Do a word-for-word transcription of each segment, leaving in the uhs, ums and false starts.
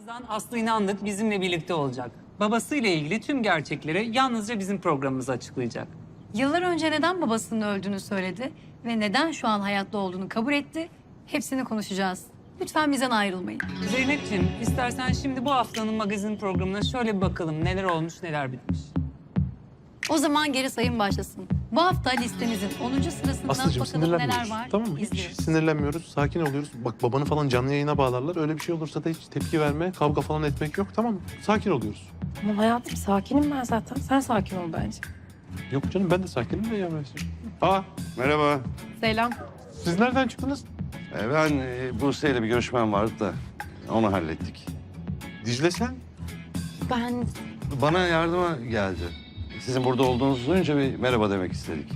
Birazdan Aslı İnandık bizimle birlikte olacak. Babasıyla ilgili tüm gerçekleri yalnızca bizim programımızda açıklayacak. Yıllar önce neden babasının öldüğünü söyledi ve neden şu an hayatta olduğunu kabul etti, hepsini konuşacağız. Lütfen bizden ayrılmayın. Zeynep'ciğim istersen şimdi bu haftanın magazin programına şöyle bir bakalım neler olmuş neler bitmiş. O zaman geri sayım başlasın. Bu hafta listemizin onuncu sırasında Aslıcığım bakalım neler sinirlenmiyoruz. var. Tamam mı? Hiç İzliyoruz. sinirlenmiyoruz. Sakin oluyoruz. Bak babanı falan canlı yayına bağlarlar. Öyle bir şey olursa da hiç tepki verme, kavga falan etmek yok. Tamam mı? Sakin oluyoruz. Ama hayatım sakinim ben zaten. Sen sakin ol bence. Yok canım ben de sakinim de ya. Aa Merhaba. Selam. siz nereden çıktınız? Ee, Ben e, Buse ile bir görüşmem vardı da onu hallettik. Dicle sen? Ben Bana yardıma geldi. Sizin burada olduğunuzu duyunca bir merhaba demek istedik.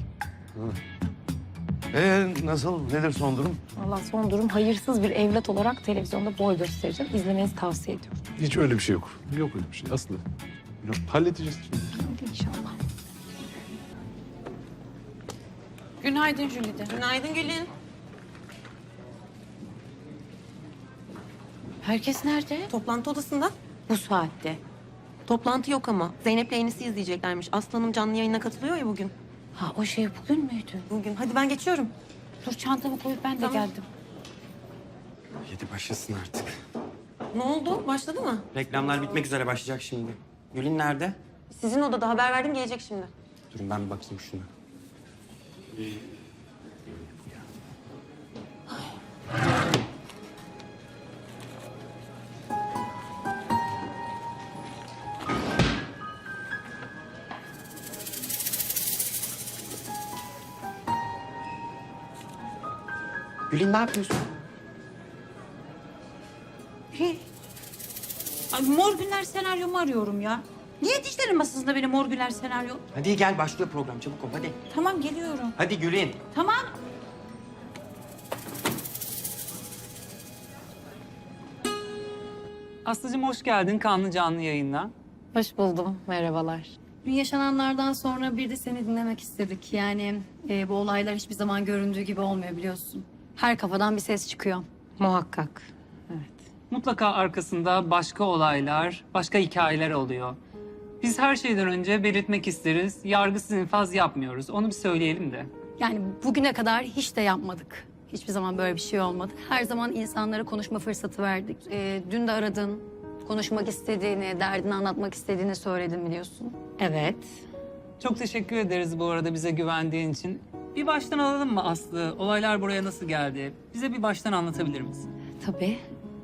Ee, nasıl? Nedir son durum? Allah son durum hayırsız bir evlat olarak televizyonda boy göstereceğim. İzlemenizi tavsiye ediyorum. Hiç öyle bir şey yok. Yok öyle bir şey Aslı. Yok, halledeceğiz şimdi. Hadi inşallah. Günaydın Jülide. Günaydın Gülün. Herkes nerede? Toplantı odasında. Bu saatte. Toplantı yok ama. Zeynep'le Enis'i izleyeceklermiş. Aslı Hanım canlı yayına katılıyor ya bugün. Ha o şey bugün müydü? Bugün. Hadi ben geçiyorum. Dur çantamı koyup ben de Tamam. geldim. Yedi başlasın artık. Ne oldu? Başladı mı? Reklamlar bitmek üzere başlayacak şimdi. Gül'ün nerede? Sizin odada haber verdim gelecek şimdi. Durun ben bir bakayım şuna. Gül'ün ne yapıyorsun? Ay, Mor Günler senaryomu arıyorum ya. Niye dişlerin masasında benim Mor Günler senaryo? Hadi gel başlıyor program çabuk ol hadi. Tamam geliyorum. Hadi Gül'ün. Tamam. Aslıcığım hoş geldin kanlı canlı yayına. Hoş buldum. Merhabalar. Dün yaşananlardan sonra bir de seni dinlemek istedik. Yani e, bu olaylar hiçbir zaman göründüğü gibi olmuyor biliyorsun. Her kafadan bir ses çıkıyor. Muhakkak. Mutlaka arkasında başka olaylar, başka hikayeler oluyor. Biz her şeyden önce belirtmek isteriz, yargısız infaz yapmıyoruz. Onu bir söyleyelim de. Yani bugüne kadar hiç de yapmadık. Hiçbir zaman böyle bir şey olmadı. Her zaman insanlara konuşma fırsatı verdik. E, dün de aradın, konuşmak istediğini, derdini anlatmak istediğini söyledin biliyorsun. Evet. Çok teşekkür ederiz bu arada bize güvendiğin için. Bir baştan alalım mı Aslı? Olaylar buraya nasıl geldi? Bize bir baştan anlatabilir misin? Tabii.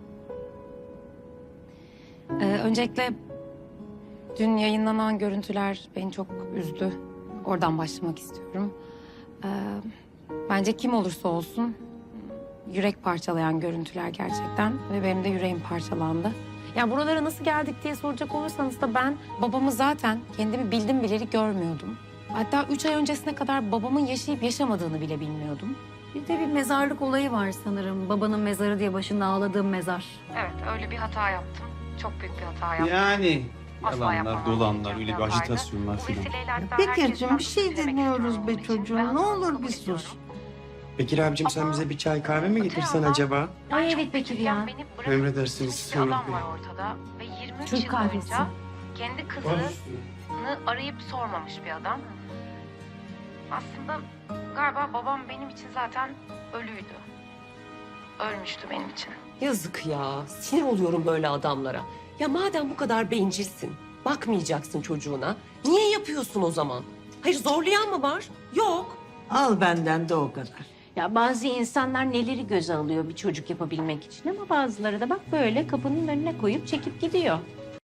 Ee, öncelikle dün yayınlanan görüntüler beni çok üzdü. Oradan başlamak istiyorum. Ee, bence kim olursa olsun yürek parçalayan görüntüler gerçekten ve benim de yüreğim parçalandı. Ya buralara nasıl geldik diye soracak olursanız da ben babamı zaten kendimi bildim bileli görmüyordum. Hatta üç ay öncesine kadar babamın yaşayıp yaşamadığını bile bilmiyordum. Bir de bir mezarlık olayı var sanırım. Babanın mezarı diye başında ağladığım mezar. Evet öyle bir hata yaptım. Çok büyük bir hata yaptım. Yani Asla yalanlar, yapmam. dolanlar, öyle bir ajitasyonlar filan. Bekir'cim bir şey dinliyoruz be çocuğum. Ne olur bir sus. Bekir abicim sen bize bir çay kahve mi getirsen acaba? Ay evet Bekir ya. Emredersiniz. Bir adam var ortada ve yirmi üç Türk yıl kahvesi. boyunca kendi kızını arayıp sormamış bir adam. Aslında galiba babam benim için zaten ölüydü. Ölmüştü benim için. Yazık ya. Sinir oluyorum böyle adamlara. Ya madem bu kadar bencilsin, bakmayacaksın çocuğuna. Niye yapıyorsun o zaman? Hayır zorlayan mı var? Yok. Al benden de o kadar. Ya bazı insanlar neleri göze alıyor bir çocuk yapabilmek için ama bazıları da bak böyle kapının önüne koyup çekip gidiyor.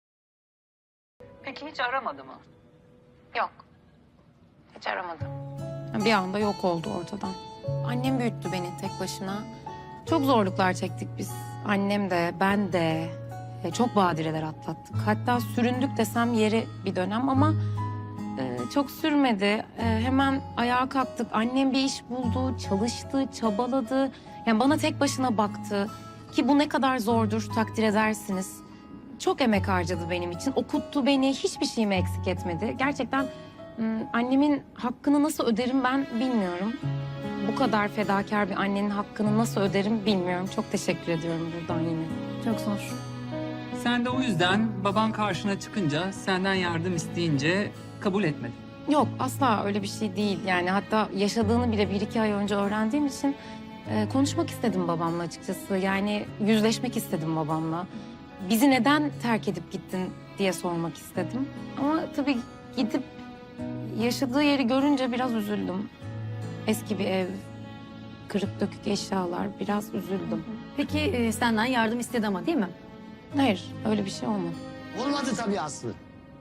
Peki hiç aramadı mı? Yok. Hiç aramadım. Bir anda yok oldu ortadan. Annem büyüttü beni tek başına. Çok zorluklar çektik biz. Annem de, ben de. E, Çok badireler atlattık. Hatta süründük desem yeri bir dönem ama e, çok sürmedi. E, hemen ayağa kalktık. Annem bir iş buldu, çalıştı, çabaladı. Yani bana tek başına baktı. Ki bu ne kadar zordur takdir edersiniz. Çok emek harcadı benim için. Okuttu beni, hiçbir şeyimi eksik etmedi. Gerçekten m, annemin hakkını nasıl öderim ben bilmiyorum. Bu kadar fedakar bir annenin hakkını nasıl öderim bilmiyorum. Çok teşekkür ediyorum buradan yine. Çok zor. Sen de o yüzden baban karşına çıkınca, senden yardım isteyince kabul etmedin. Yok asla öyle bir şey değil. Yani hatta yaşadığını bile bir iki ay önce öğrendiğim için e, konuşmak istedim babamla açıkçası. Yani yüzleşmek istedim babamla. Bizi neden terk edip gittin diye sormak istedim. Ama tabii gidip yaşadığı yeri görünce biraz üzüldüm. Eski bir ev, kırık dökük eşyalar, biraz üzüldüm. Peki e, senden yardım istedi ama değil mi? Hayır, öyle bir şey olmadı. Olmadı tabii Aslı.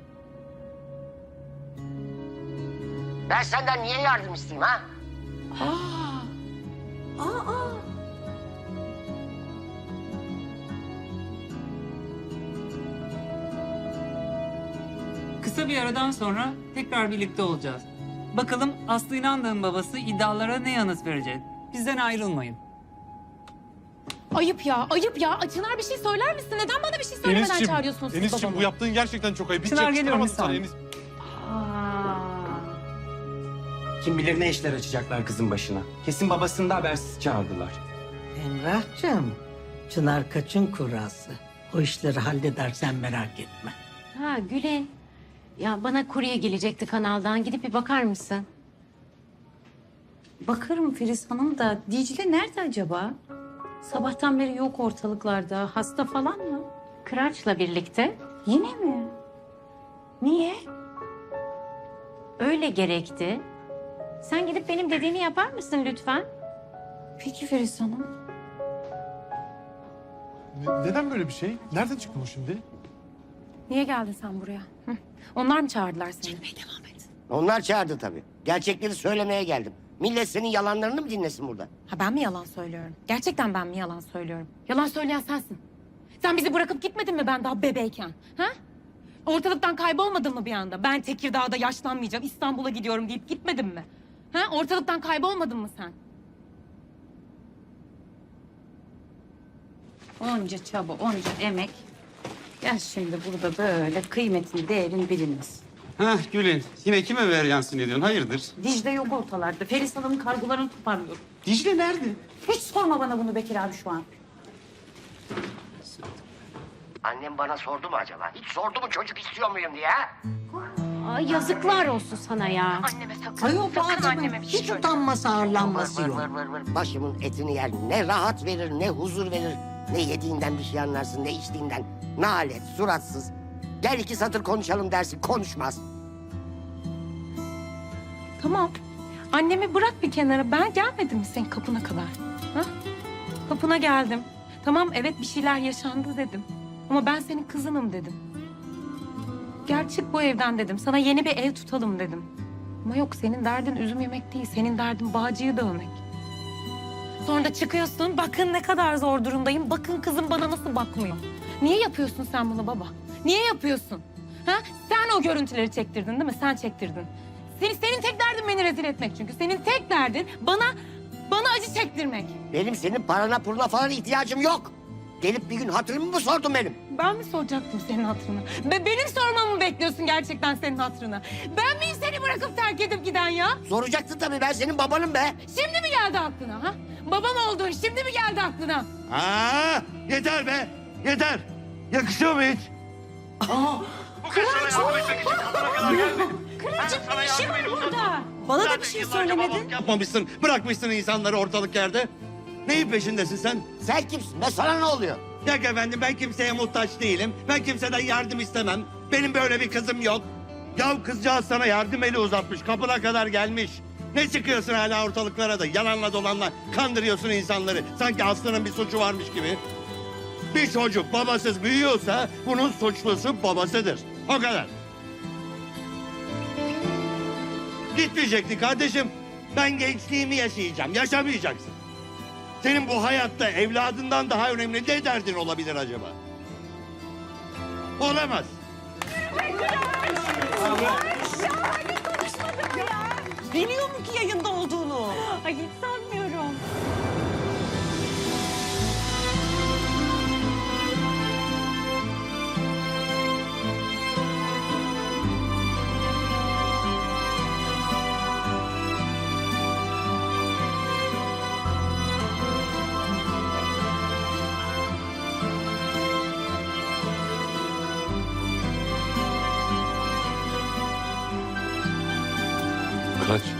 Ben senden niye yardım isteyeyim ha? Kısa bir aradan sonra tekrar birlikte olacağız. Bakalım Aslı İnandığın babası iddialara ne yanıt verecek? Bizden ayrılmayın. Ayıp ya, ayıp ya. Çınar bir şey söyler misin? Neden bana bir şey söylemeden Enis'cim, çağırıyorsunuz siz Enis'cim babamı? bu yaptığın gerçekten çok ayıp. Hiç Çınar, geliyorum yakıştıramadım bir sana saniye. Enis. Kim bilir ne işler açacaklar kızın başına. Kesin babasını da habersiz çağırdılar. Emrah'cığım, Çınar kaçın kurası. O işleri halledersen merak etme. Ha Gülen. Ya bana kurye gelecekti kanaldan. Gidip bir bakar mısın? Bakarım Filiz Hanım da Dicle nerede acaba? Sabahtan beri yok ortalıklarda. Hasta falan mı? Kıraç'la birlikte. Yine mi? Niye? Öyle gerekti. Sen gidip benim dediğimi yapar mısın lütfen? Peki Filiz Hanım. Ne- Neden böyle bir şey? Nereden çıktı bu şimdi? Niye geldin sen buraya? Hı? Onlar mı çağırdılar seni? Devam et. Onlar çağırdı tabii. Gerçekleri söylemeye geldim. Millet senin yalanlarını mı dinlesin burada? Ha ben mi yalan söylüyorum? Gerçekten ben mi yalan söylüyorum? Yalan söyleyen sensin. Sen bizi bırakıp gitmedin mi ben daha bebeyken? Ha? Ortalıktan kaybolmadın mı bir anda? Ben Tekirdağ'da yaşlanmayacağım, İstanbul'a gidiyorum deyip gitmedin mi? Ha? Ortalıktan kaybolmadın mı sen? Onca çaba, onca emek. Gel şimdi burada böyle kıymetini, değerini biliniz. Hah Gülün, yine kime ver yansın ediyorsun? Hayırdır? Dicle yok ortalarda. Feris Hanım'ın kargolarını toparlıyorum. Dicle nerede? Hiç sorma bana bunu Bekir abi şu an. Annem bana sordu mu acaba? Hiç sordu mu çocuk istiyor muyum diye ha? Ay yazıklar olsun sana ya. Anneme sakın. Ayol bu sakın adamın anneme bir şey hiç söyleme. utanması arlanması Vır yok. vır vır vır. Başımın etini yer. Ne rahat verir, ne huzur verir. Ne yediğinden bir şey anlarsın, ne içtiğinden. Nalet, suratsız. Gel iki satır konuşalım dersin, konuşmaz. Tamam. Annemi bırak bir kenara. Ben gelmedim mi senin kapına kadar? Ha? Kapına geldim. Tamam evet bir şeyler yaşandı dedim. Ama ben senin kızınım dedim. Gel çık bu evden dedim. Sana yeni bir ev tutalım dedim. Ama yok senin derdin üzüm yemek değil. Senin derdin bağcıyı dövmek. Sonra da çıkıyorsun. Bakın ne kadar zor durumdayım. Bakın kızım bana nasıl bakmıyor. Niye yapıyorsun sen bunu baba? Niye yapıyorsun? Ha? Sen o görüntüleri çektirdin değil mi? Sen çektirdin. Senin, senin tek derdin beni rezil etmek çünkü. Senin tek derdin bana bana acı çektirmek. Benim senin parana puluna falan ihtiyacım yok. Gelip bir gün hatırımı mı sordun benim? Ben mi soracaktım senin hatırını? Be benim sormamı mı bekliyorsun gerçekten senin hatırını? Ben miyim seni bırakıp terk edip giden ya? Soracaktın tabii, ben senin babanım be. Şimdi mi geldi aklına ha? Babam olduğun şimdi mi geldi aklına? Aa, yeter be, yeter. Yakışıyor mu hiç? Kıraç'ın ne işi var burada? Bana da bir şey söylemedin. Yapmamışsın, bırakmışsın insanları ortalık yerde. Neyin peşindesin sen? Sen kimsin be, sana ne oluyor? Yok efendim, ben kimseye muhtaç değilim. Ben kimseden yardım istemem. Benim böyle bir kızım yok. Ya kızcağız sana yardım eli uzatmış, kapına kadar gelmiş. Ne çıkıyorsun hala ortalıklara da yalanla dolanla kandırıyorsun insanları. Sanki Aslı'nın bir suçu varmış gibi. Bir çocuk babasız büyüyorsa bunun suçlusu babasıdır. O kadar. Gitmeyecektin kardeşim. Ben gençliğimi yaşayacağım. Yaşamayacaksın. Senin bu hayatta evladından daha önemli ne derdin olabilir acaba? Olamaz. Biliyor mu ki yayında olduğunu? Ay hiç sanmıyorum. Kaç.